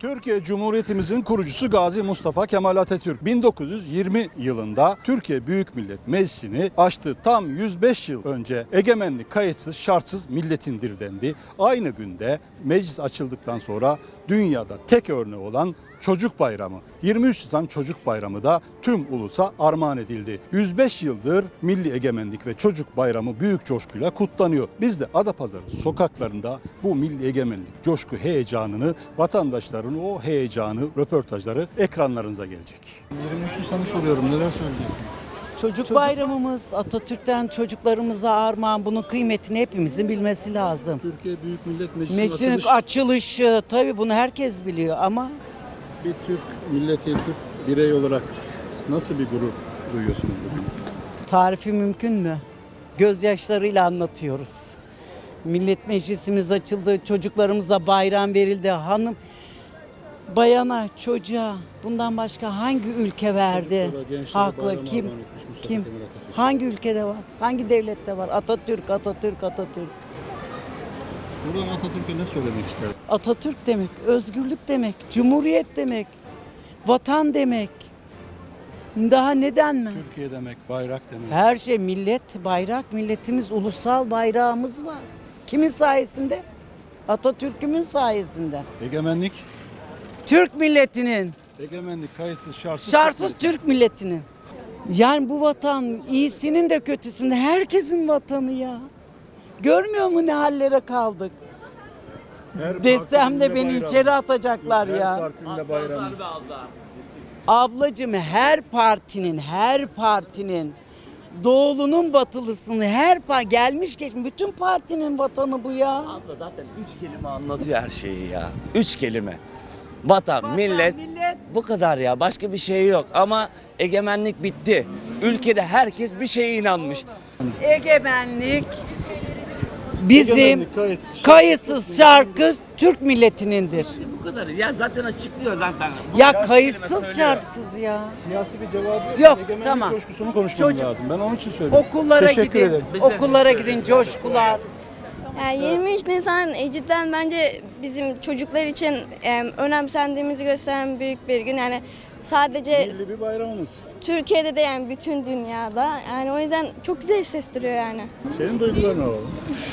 Türkiye Cumhuriyetimizin kurucusu Gazi Mustafa Kemal Atatürk 1920 yılında Türkiye Büyük Millet Meclisi'ni açtı. Tam 105 yıl önce egemenlik kayıtsız şartsız milletindir dendi. Aynı günde meclis açıldıktan sonra dünyada tek örneği olan Çocuk Bayramı, 23 Nisan Çocuk Bayramı da tüm ulusa armağan edildi. 105 yıldır Milli Egemenlik ve Çocuk Bayramı büyük coşkuyla kutlanıyor. Biz de Adapazarı sokaklarında bu milli egemenlik coşku heyecanını, vatandaşların o heyecanı, röportajları ekranlarınıza gelecek. 23 Nisan'ı soruyorum, neler söyleyeceksiniz? Çocuk bayramımız, Atatürk'ten çocuklarımıza armağan, bunun kıymetini hepimizin bilmesi lazım. Türkiye Büyük Millet Meclisi'nin Meclisin açılışı, tabii bunu herkes biliyor ama bir Türk milleti, Türk birey olarak nasıl bir gurur duyuyorsunuz bugün? tarifi mümkün mü? Gözyaşlarıyla anlatıyoruz. Millet Meclisimiz açıldı, çocuklarımıza bayram verildi. Hanım, bayana, çocuğa bundan başka hangi ülke verdi? Çocuklara, gençlere Haklı bayram kim? armağan etmiş Mustafa Kim? Kemal Atatürk. Hangi ülkede var? Hangi devlette var? Atatürk, Atatürk, Atatürk. Buradan Atatürk'e ne söylemek ister? Atatürk demek, özgürlük demek, cumhuriyet demek, vatan demek. Daha ne denmez? Türkiye demek, bayrak demek. Her şey millet, bayrak, milletimiz, ulusal bayrağımız var. Kimin sayesinde? Atatürk'ümün sayesinde. Egemenlik, Türk milletinin, egemenlik kayıtsız şartsız. şartsız Türk milletinin. Yani bu vatan iyisinin de kötüsünün de herkesin vatanı ya. Görmüyor mu ne hallere kaldık? Her Desem partinin de beni bayramı. içeri atacaklar Her ya. partinin de bayramı. Ablacığım her partinin doğulunun batılısını gelmiş geçmiş bütün partinin vatanı bu ya. Abla zaten 3 kelime anlatıyor her şeyi ya. 3 kelime. Vatan, millet, bu kadar ya. Başka bir şey yok. Ama egemenlik bitti. Ülkede herkes bir şeye inanmış. Egemenlik bizim Egemenlik kayıtsız şarkı Türk milletinindir. Bu kadar. Ya zaten açıklıyor zaten. Ya kelime kayıtsız söylüyor. şartsız ya. Siyasi bir cevabı Yok, egemenlik tamam. coşkusunu konuşmam Çocuk- lazım. Ben onun için söylüyorum. Okullara Teşekkür gidin. ederim. Okullara gidin coşkular. Yani 23 Nisan cidden bence bizim çocuklar için önemsendiğimizi gösteren büyük bir gün. Yani sadece Milli bir bayramımız. Türkiye'de de yani bütün dünyada. Yani o yüzden çok güzel hissettiriyor yani. Senin duygularını alalım.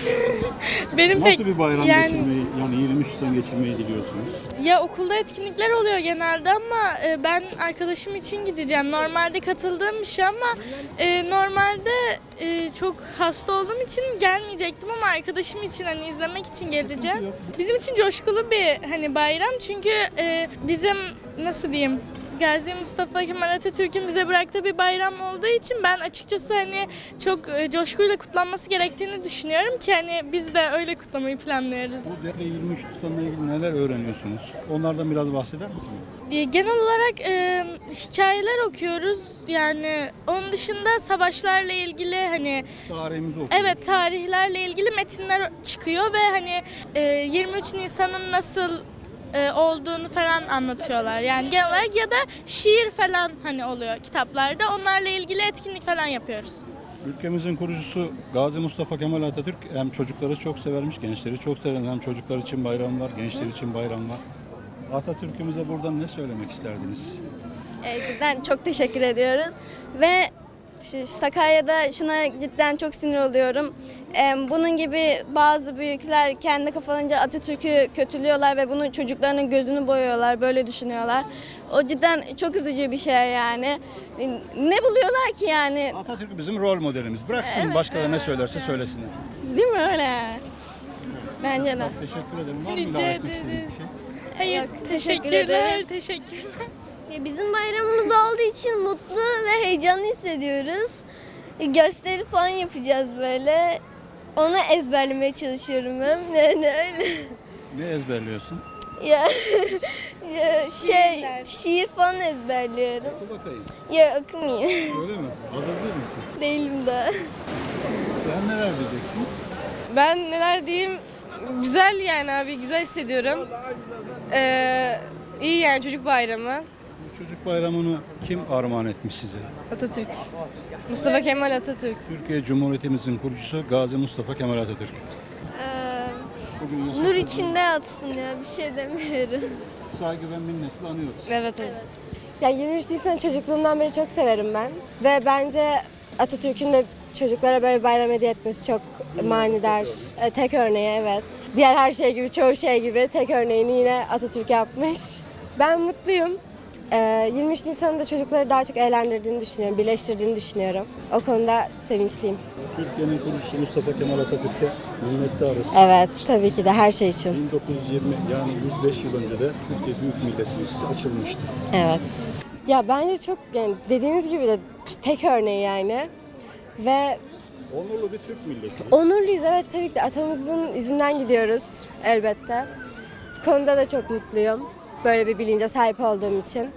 Benim Nasıl bir bayram yani- geçirmeyi, yani 23 Nisan geçirmeyi diliyorsunuz? Ya okulda etkinlikler oluyor genelde ama ben arkadaşım için gideceğim. Normalde katıldığım bir şey ama normalde çok hasta olduğum için gelmeyecektim ama arkadaşım için hani izlemek için geleceğim. Bizim için coşkulu bir hani bayram çünkü bizim nasıl diyeyim Gazi Mustafa Kemal Atatürk'ün bize bıraktığı bir bayram olduğu için ben açıkçası hani çok coşkuyla kutlanması gerektiğini düşünüyorum ki hani biz de öyle kutlamayı planlıyoruz. Bu değerli 23 Nisan'la ilgili neler öğreniyorsunuz? Onlardan biraz bahseder misiniz? Genel olarak hikayeler okuyoruz. Yani onun dışında savaşlarla ilgili hani Tarihimizi okuyoruz. evet tarihlerle ilgili metinler çıkıyor ve hani 23 Nisan'ın nasıl olduğunu falan anlatıyorlar. Yani genel olarak ya da şiir falan hani oluyor kitaplarda. Onlarla ilgili etkinlik falan yapıyoruz. Ülkemizin kurucusu Gazi Mustafa Kemal Atatürk hem çocukları çok severmiş, gençleri çok sever. Hem çocuklar için bayram var, gençler için bayram var. Atatürk'ümüze buradan ne söylemek isterdiniz? Cidden çok teşekkür ediyoruz. Ve Sakarya'da şuna cidden çok sinir oluyorum. Bunun gibi bazı büyükler kendi kafalarınca Atatürk'ü kötülüyorlar ve bunun çocuklarının gözünü boyuyorlar, böyle düşünüyorlar. O cidden çok üzücü bir şey yani. Ne buluyorlar ki yani? Atatürk bizim rol modelimiz. Bıraksın başkaları ne söylerse söylesinler. Değil mi öyle? Bence de. Teşekkür ederim. Var mı Rica ilave etmek istediğiniz ederiz. bir şey? Hayır, teşekkür teşekkürler. ederiz. Teşekkürler. Bizim bayramımız olduğu için mutlu ve heyecanlı hissediyoruz. Gösteri falan yapacağız böyle. Onu ezberlemeye çalışıyorum ben. Yani öyle. Ne ezberliyorsun? Ya, şiir falan ezberliyorum. Oku bakayım. Ya okumayayım. Öyle mi? Hazır değil misin? Değilim daha. Sen neler diyeceksin? Ben neler diyeyim? Güzel yani abi, güzel hissediyorum. İyi yani çocuk bayramı. Bu çocuk bayramını kim armağan etmiş size? Atatürk. Mustafa Kemal Atatürk. Türkiye Cumhuriyetimizin kurucusu Gazi Mustafa Kemal Atatürk. Bugün Nur yaşasın. içinde yatsın ya, bir şey demiyorum. Saygı ve minnetle anıyoruz. Evet. Ya 23 Nisan çocukluğumdan beri çok severim ben. Ve bence Atatürk'ün de çocuklara böyle bayram hediye etmesi çok manidar. Tek örneği evet. Diğer her şey gibi, çoğu şey gibi tek örneğini yine Atatürk yapmış. Ben mutluyum. 23 Nisan'da çocukları daha çok eğlendirdiğini düşünüyorum, birleştirdiğini düşünüyorum. O konuda sevinçliyim. Türkiye'nin kurucusu Mustafa Kemal Atatürk'e minnettarız. Evet, tabii ki de her şey için. 1920 yani 105 yıl önce de Türkiye Büyük Millet Meclisi açılmıştı. Evet. Ya bence çok, yani dediğiniz gibi de tek örneği yani. Ve Onurlu bir Türk milleti. onurluyuz, evet, tabii ki de atamızın izinden gidiyoruz elbette. Bu konuda da çok mutluyum. Böyle bir bilince sahip olduğum için.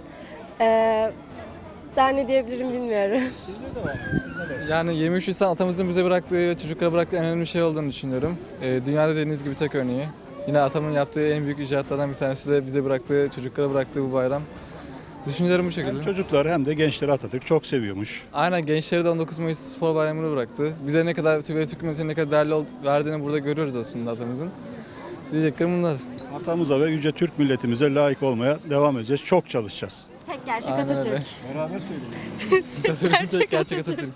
Daha ne diyebilirim bilmiyorum. Sizde de var. Sizde de var. Yani 23 Nisan atamızın bize bıraktığı ve çocuklara bıraktığı en önemli şey olduğunu düşünüyorum. Dünyada dediğiniz gibi tek örneği. Yine atamın yaptığı en büyük icraatlardan bir tanesi de bize bıraktığı, çocuklara bıraktığı bu bayram. Düşüncelerim bu şekilde. Hem çocuklar hem de gençler Atatürk çok seviyormuş. Aynen, gençleri de 19 Mayıs Spor Bayramı'nı bıraktı. Bize ne kadar, Türk milletine ne kadar değerli verdiğini burada görüyoruz aslında atamızın. Diyeceklerim bunlar. Atamıza ve yüce Türk milletimize layık olmaya devam edeceğiz. Çok çalışacağız. Tek gerçek Aynen Atatürk. öyle. Beraber söyleyelim. Atatürk, gerçek Atatürk.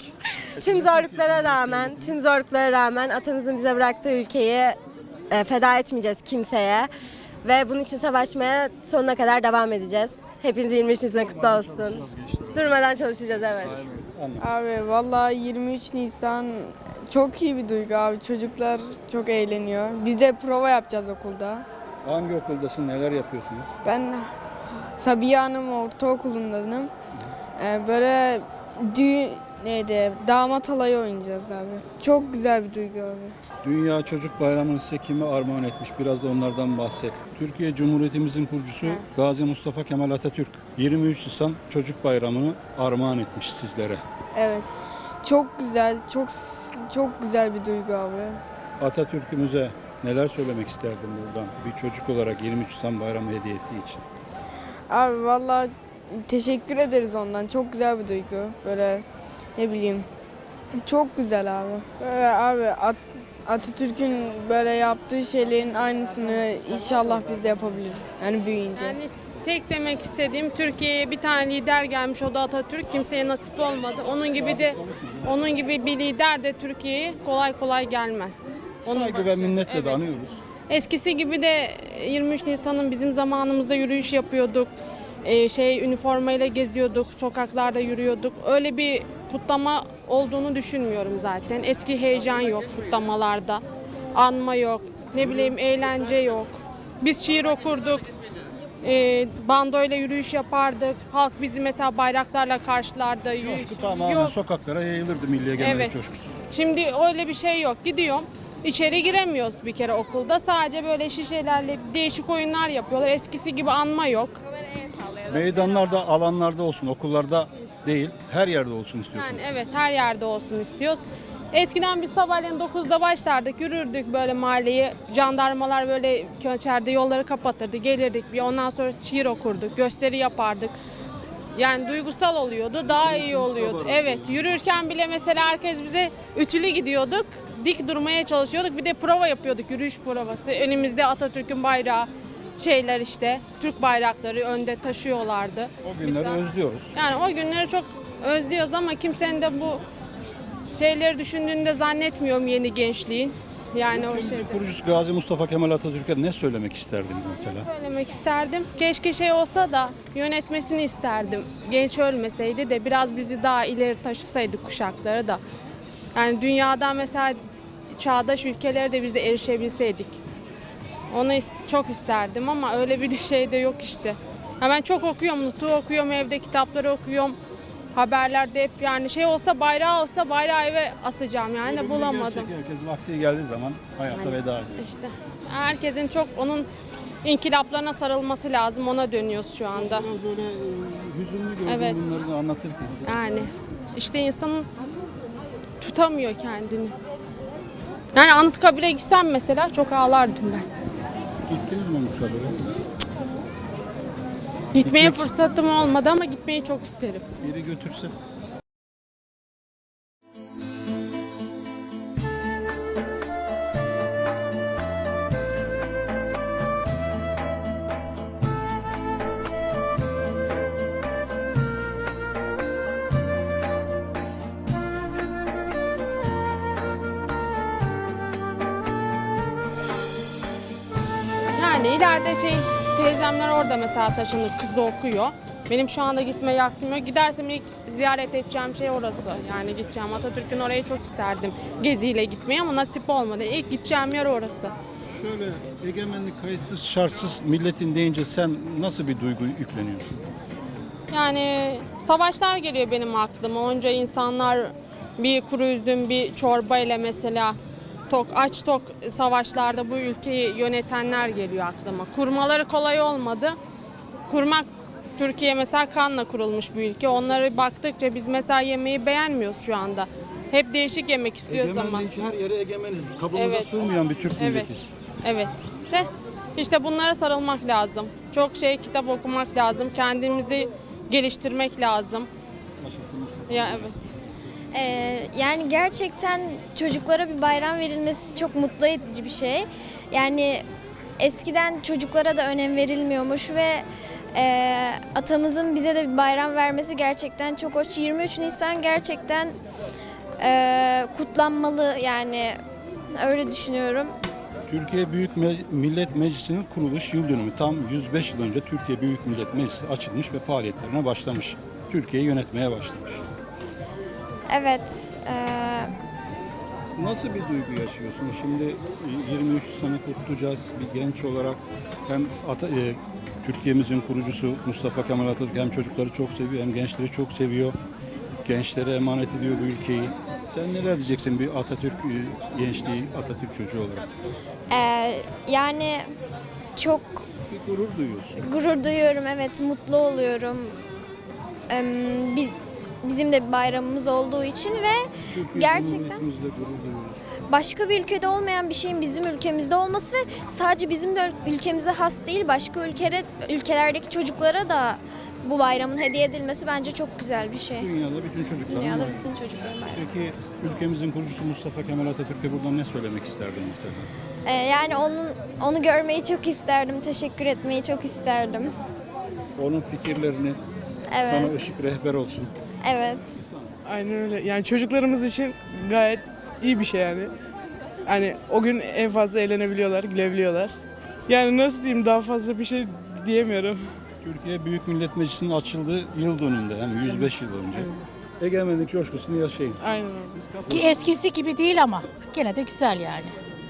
Tüm zorluklara rağmen atamızın bize bıraktığı ülkeyi feda etmeyeceğiz kimseye. Ve bunun için savaşmaya sonuna kadar devam edeceğiz. Hepiniz 23 Nisan kutlu olsun. Durmadan çalışacağız, evet. Abi vallahi 23 Nisan çok iyi bir duygu abi. Çocuklar çok eğleniyor. Biz de prova yapacağız okulda. Hangi okuldasın, neler yapıyorsunuz? Ben Sabiha Hanım Ortaokulu'ndayım. Böyle damat alayı oynayacağız abi. Çok güzel bir duygu abi. Dünya Çocuk Bayramı'nı size kime armağan etmiş? Biraz da onlardan bahset. Türkiye Cumhuriyetimizin kurucusu Gazi Mustafa Kemal Atatürk 23 Nisan Çocuk Bayramı'nı armağan etmiş sizlere. Evet. Çok güzel, çok güzel bir duygu abi. Atatürk'ümüze neler söylemek isterdin buradan bir çocuk olarak 23 Nisan Bayramı hediye ettiği için? Abi vallahi teşekkür ederiz ondan. Çok güzel bir duygu. Böyle ne bileyim. Çok güzel abi. Böyle abi Atatürk'ün böyle yaptığı şeylerin aynısını inşallah biz de yapabiliriz. Yani büyüyünce. Yani tek demek istediğim, Türkiye'ye bir tane lider gelmiş, o da Atatürk. Kimseye nasip olmadı. Onun gibi bir lider de Türkiye'ye kolay kolay gelmez. Saygı ve minnetle de anıyoruz. Eskisi gibi de 23 Nisan'ın bizim zamanımızda yürüyüş yapıyorduk. Üniformayla geziyorduk, sokaklarda yürüyorduk. Öyle bir kutlama olduğunu düşünmüyorum zaten. Eski heyecan yok kutlamalarda. Anma yok, ne bileyim eğlence yok. Biz şiir okurduk. Bandoyla yürüyüş yapardık. Halk bizi mesela bayraklarla karşılardı. Coşku tamamen Yok. sokaklara yayılırdı milli egemenlik Evet. coşkusu. Şimdi öyle bir şey yok. Gidiyorum. İçeri giremiyoruz bir kere okulda. Sadece böyle şişelerle değişik oyunlar yapıyorlar. Eskisi gibi anma yok. Meydanlarda, alanlarda olsun, okullarda değil, her yerde olsun istiyorsunuz. Yani evet, her yerde olsun istiyoruz. Eskiden biz sabahleyin 9'da başlardık, yürürdük böyle mahalleyi. Jandarmalar böyle köçerde yolları kapatırdı, gelirdik bir. Ondan sonra şiir okurduk, gösteri yapardık. Yani duygusal oluyordu, daha iyi oluyordu. Evet, yürürken bile mesela herkes bize ütülü gidiyorduk. Dik durmaya çalışıyorduk. Bir de prova yapıyorduk, yürüyüş provası. Önümüzde Atatürk'ün bayrağı, işte Türk bayrakları önde taşıyorlardı. O günleri özlüyoruz. Yani o günleri çok özlüyoruz ama kimsenin de bu şeyleri düşündüğünde zannetmiyorum yeni gençliğin. Yani o Ülkemizin şeyde. kurucusu Gazi Mustafa Kemal Atatürk'e ne söylemek isterdiniz mesela? Söylemek isterdim. Keşke şey olsa da yönetmesini isterdim. Genç ölmeseydi de biraz bizi daha ileri taşısaydı kuşakları da. Yani dünyadan mesela çağdaş ülkelere de biz de erişebilseydik. Onu çok isterdim ama öyle bir şey de yok işte. Ya ben çok okuyorum, Nutuk'u okuyorum, evde kitapları okuyorum. Haberlerde hep yani şey olsa, bayrağı olsa bayrağı eve asacağım yani de bulamadım. Gerçek herkes vakti geldiği zaman hayata veda ediyor. İşte herkesin çok onun inkılaplarına sarılması lazım, ona dönüyoruz şu anda. Biraz böyle hüzünlü gördüm Evet. bunları anlatırken. Yani işte insanın tutamıyor kendini. Yani Anıtkabir'e gitsem mesela çok ağlardım ben. Gittiniz mi Anıtkabir'e? Gitmeye fırsatım olmadı ama gitmeyi çok isterim. Biri götürse. Yani ileride teyzemler orada mesela taşınır, kızı okuyor. Benim şu anda gitmeye aklım yok. Gidersem ilk ziyaret edeceğim şey orası. Yani gideceğim Atatürk'ün orayı çok isterdim geziyle gitmeyi ama nasip olmadı. İlk gideceğim yer orası. Şöyle egemenlik kayıtsız şartsız milletin deyince sen nasıl bir duygu yükleniyorsun? Yani savaşlar geliyor benim aklıma. Onca insanlar bir kuru üzüm, bir çorba ile mesela aç tok savaşlarda bu ülkeyi yönetenler geliyor aklıma. Kurmaları kolay olmadı. Kurmak Türkiye mesela kanla kurulmuş bir ülke. Onları baktıkça biz mesela yemeği beğenmiyoruz şu anda. Hep değişik yemek istiyoruz ama. Egemenliği her yere egemeniz. Kabımıza Evet. sığmayan bir Türk milletiz. Evet. De işte bunlara sarılmak lazım. Çok kitap okumak lazım. Kendimizi geliştirmek lazım. Yaşasın Mustafa. Ya evet. Yani gerçekten çocuklara bir bayram verilmesi çok mutlu edici bir şey. Yani eskiden çocuklara da önem verilmiyormuş ve atamızın bize de bir bayram vermesi gerçekten çok hoş. 23 Nisan gerçekten kutlanmalı, yani öyle düşünüyorum. Türkiye Büyük Millet Meclisi'nin kuruluş yıl dönümü tam 105 yıl önce Türkiye Büyük Millet Meclisi açılmış ve faaliyetlerine başlamış. Türkiye'yi yönetmeye başlamış. Evet. Nasıl bir duygu yaşıyorsun? Şimdi 23 sene kutlayacağız bir genç olarak. Hem Türkiye'mizin kurucusu Mustafa Kemal Atatürk hem çocukları çok seviyor hem gençleri çok seviyor. Gençlere emanet ediyor bu ülkeyi. Sen neler diyeceksin bir Atatürk gençliği, Atatürk çocuğu olarak? Yani çok Bir gurur duyuyorsun. gurur duyuyorum, evet, mutlu oluyorum. Bizim de bir bayramımız olduğu için ve Türkiye gerçekten Cumhuriyetimizle gurur duyuyoruz. başka bir ülkede olmayan bir şeyin bizim ülkemizde olması ve sadece bizim de ülkemize has değil, başka ülkelerdeki çocuklara da bu bayramın hediye edilmesi bence çok güzel bir şey. Dünyada bütün çocukların Dünyada bayramı. bütün çocukların bayramı. Peki ülkemizin kurucusu Mustafa Kemal Atatürk'e buradan ne söylemek isterdin mesela? Yani onu görmeyi çok isterdim, teşekkür etmeyi çok isterdim. Onun fikirlerini Evet, sana ışık rehber olsun. evet. Aynen öyle. Yani çocuklarımız için gayet iyi bir şey yani. Hani o gün en fazla eğlenebiliyorlar, gülebiliyorlar. Yani nasıl diyeyim, daha fazla bir şey diyemiyorum. Türkiye Büyük Millet Meclisi'nin açıldığı yıl dönümünde yani 105 yıl önce. Egemenlik coşkusunu yaşayın. Aynen öyle. Siz Ki katılın. eskisi gibi değil ama gene de güzel yani.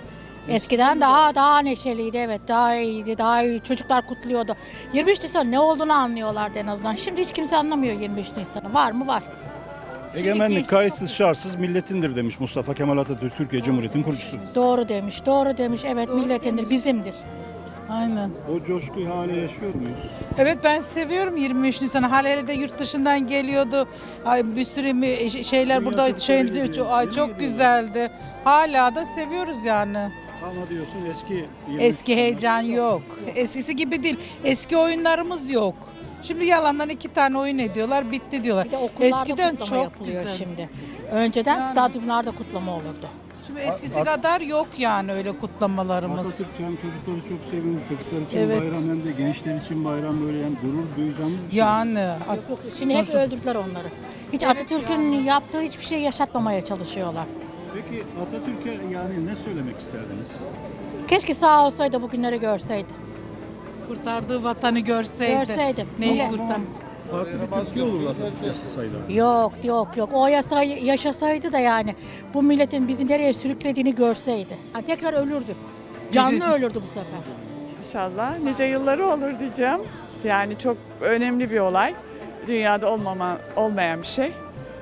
Eskiden daha neşeliydi, evet, daha iyiydi, daha iyi, çocuklar kutluyordu. 23 Nisan ne olduğunu anlıyorlardı en azından. Şimdi hiç kimse anlamıyor 23 Nisan'ı. Var mı? Var. Egemenlik kayıtsız şartsız milletindir demiş Mustafa Kemal Atatürk, Türkiye Cumhuriyeti'nin kurucusu. Doğru demiş, doğru demiş. Evet, milletindir, bizimdir. Aynen. O coşkuyu hala yaşıyor muyuz? Evet, ben seviyorum 23 Nisan'ı. Hele de yurt dışından geliyordu. Ay, bir sürü şeyler Dünya burada Türkleri geliyor. ay Yeni çok geliyor. güzeldi. Hala da seviyoruz yani. Ama diyorsun eski 23 Eski sene heyecan yok. Eskisi gibi değil. Eski oyunlarımız yok. Şimdi yalandan 2 tane oyun ediyorlar, bitti diyorlar. Bir de okullarda Eskiden kutlama çok yapılıyor güzel. şimdi. Önceden Yani. stadyumlarda kutlama olurdu. Şimdi eskisi kadar yok yani öyle kutlamalarımız. Atatürk hem çocukları çok seviyormuş, çocuklar için Evet. bayram hem de gençler için bayram, böyle yani gurur duyacağımız bir şey. Yani Yok, şimdi hep Sonuçta- öldürdüler onları. Hiç Atatürk'ün yaptığı hiçbir şey yaşatmamaya çalışıyorlar. Peki Atatürk'e yani ne söylemek isterdiniz? Keşke sağ olsaydı, bugünleri görseydi. kurtardığı vatanı görseydi. Görseydim. Neyi Ama- kurtar? Farklı bir Türkiye olurdu Atatürk yaşasaydı. Yok. O yaşasaydı da yani bu milletin bizi nereye sürüklediğini görseydi. Ha, tekrar ölürdü. Canlı ölürdü bu sefer. İnşallah nice yılları olur diyeceğim. Yani çok önemli bir olay. Dünyada olmayan bir şey.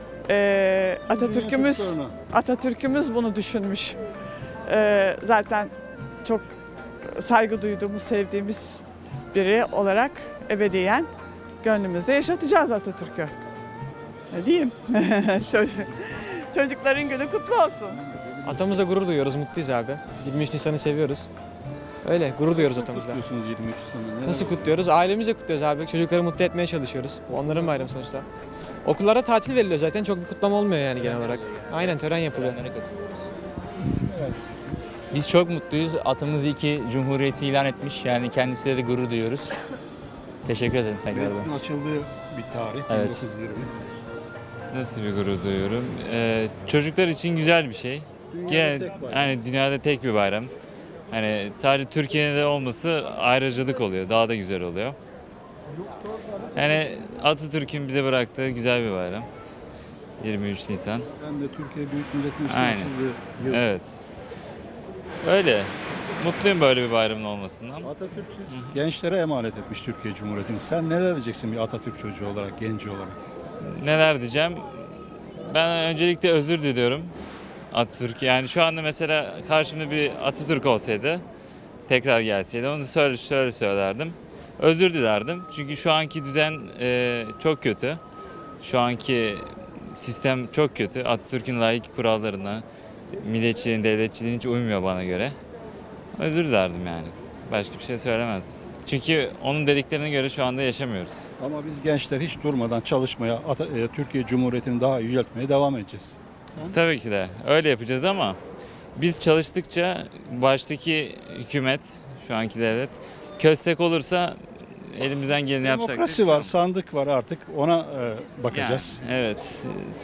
Atatürk'ümüz çocuklarına. Atatürk'ümüz bunu düşünmüş. Zaten çok saygı duyduğumuz, sevdiğimiz biri olarak ebediyen gönlümüzde yaşatacağız Atatürk'ü. Ne diyeyim? Çocukların günü kutlu olsun. Atamıza gurur duyuyoruz, mutluyuz abi. 23 Nisan'ı seviyoruz. Öyle, gurur duyuyoruz Nasıl atamızla. kutluyorsunuz 23 sene? Neler Nasıl var? kutluyoruz? Ailemizle kutluyoruz abi. Çocukları mutlu etmeye çalışıyoruz. Bu onların bayramı sonuçta. Okullara tatil veriliyor zaten. Çok bir kutlama olmuyor yani genel olarak. Aynen, tören yapılıyor. Biz çok mutluyuz. Atamız iyi ki Cumhuriyeti ilan etmiş. Yani kendisiyle de gurur duyuyoruz. Teşekkür ederim tekrardan. Meclisin açıldığı bir tarih. Evet. 1920. Nasıl bir gurur duyuyorum? Çocuklar için güzel bir şey. Dünyada tek bayram. Yani dünyada tek bir bayram. Hani sadece Türkiye'de olması ayrıcalık oluyor. Daha da güzel oluyor. Yani Atatürk'ün bize bıraktığı güzel bir bayram. 23 Nisan. Hem de Türkiye Büyük Millet Meclisi'nin Aynen. açıldığı yıl. Evet. Öyle. Mutluyum böyle bir bayramın olmasından. Atatürk siz gençlere emanet etmiş Türkiye Cumhuriyeti'ni. Sen neler diyeceksin bir Atatürk çocuğu olarak, genci olarak? Neler diyeceğim? Ben öncelikle özür diliyorum Atatürk. Yani şu anda mesela karşımda bir Atatürk olsaydı, tekrar gelseydi onu şöyle söylerdim. Özür dilerdim. Çünkü şu anki düzen çok kötü. Şu anki sistem çok kötü. Atatürk'ün layık kurallarına, milliyetçiliğin, devletçiliğin hiç uymuyor bana göre. Özür dilerdim yani. Başka bir şey söylemezdim. Çünkü onun dediklerine göre şu anda yaşamıyoruz. Ama biz gençler hiç durmadan çalışmaya, Türkiye Cumhuriyeti'ni daha yüceltmeye devam edeceğiz. Tabii ki de öyle yapacağız ama biz çalıştıkça baştaki hükümet, şu anki devlet köstek olursa elimizden geleni yapacak. Demokrasi var, sandık var artık ona bakacağız. Yani, evet.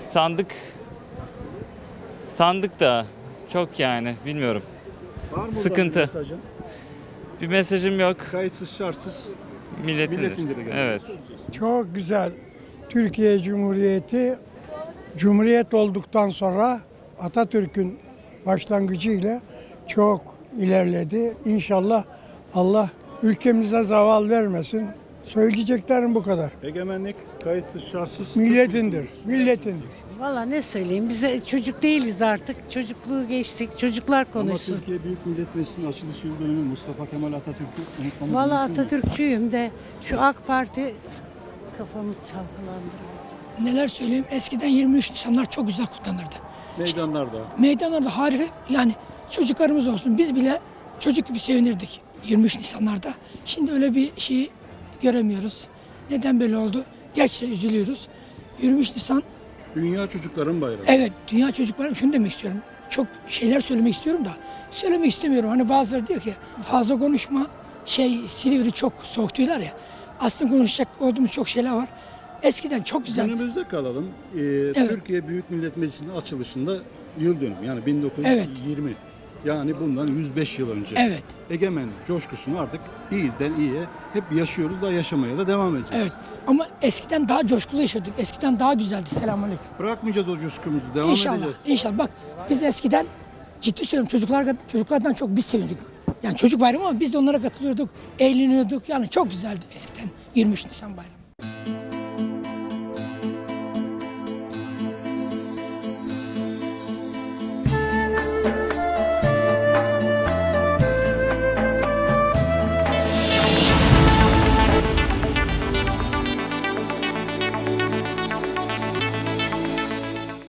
Sandık da çok yani bilmiyorum. Var mı buradan Sıkıntı. bir mesajın? Bir mesajım yok. Kayıtsız şartsız Milletindir. milletindir. Evet. Çok güzel. Türkiye Cumhuriyeti Cumhuriyet olduktan sonra Atatürk'ün başlangıcıyla çok ilerledi. İnşallah Allah ülkemize zaval vermesin. Söyleyeceklerim bu kadar. Egemenlik kayıtsız şartsız Milletindir, milletindir. Valla ne söyleyeyim, bize çocuk değiliz artık. Çocukluğu geçtik, çocuklar Ama konuşsun. Türkiye Büyük Millet Meclisi'nin açılış yıl dönümü Mustafa Kemal Atatürk'ü unutmamız Valla mümkün mü? Atatürkçüyüm de şu AK Parti kafamı çalkalandırıyor. Neler söyleyeyim? Eskiden 23 Nisanlar çok güzel kutlanırdı. Meydanlarda. Meydanlarda harika, yani çocuklarımız olsun, biz bile çocuk gibi sevinirdik 23 Nisanlarda. Şimdi öyle bir şeyi göremiyoruz. Neden böyle oldu? Gerçekten üzülüyoruz. 23 Nisan, Dünya Çocukların Bayramı. evet, Dünya Çocuk Bayramı. Şunu demek istiyorum. Çok şeyler söylemek istiyorum da söylemek istemiyorum. Hani bazıları diyor ki fazla konuşma, Silivri çok soğuk diyorlar ya. Aslında konuşacak olduğumuz çok şeyler var. Eskiden çok güzel. Günümüzde kalalım. Türkiye Büyük Millet Meclisi'nin açılışında yıl dönümü yani 1920. Yani bundan 105 yıl önce. Evet. Egemenlik coşkusunu artık iyiden iyiye hep yaşıyoruz da yaşamaya da devam edeceğiz. Evet. Ama eskiden daha coşkulu yaşadık. Eskiden daha güzeldi. Selamünaleyküm. Bırakmayacağız o coşkumuzu, devam İnşallah. edeceğiz. İnşallah. Bak biz eskiden ciddi söylüyorum çocuklardan çok biz sevindik. Yani çocuk bayramı ama biz de onlara katılıyorduk, eğleniyorduk. Yani çok güzeldi eskiden 23 Nisan bayramı.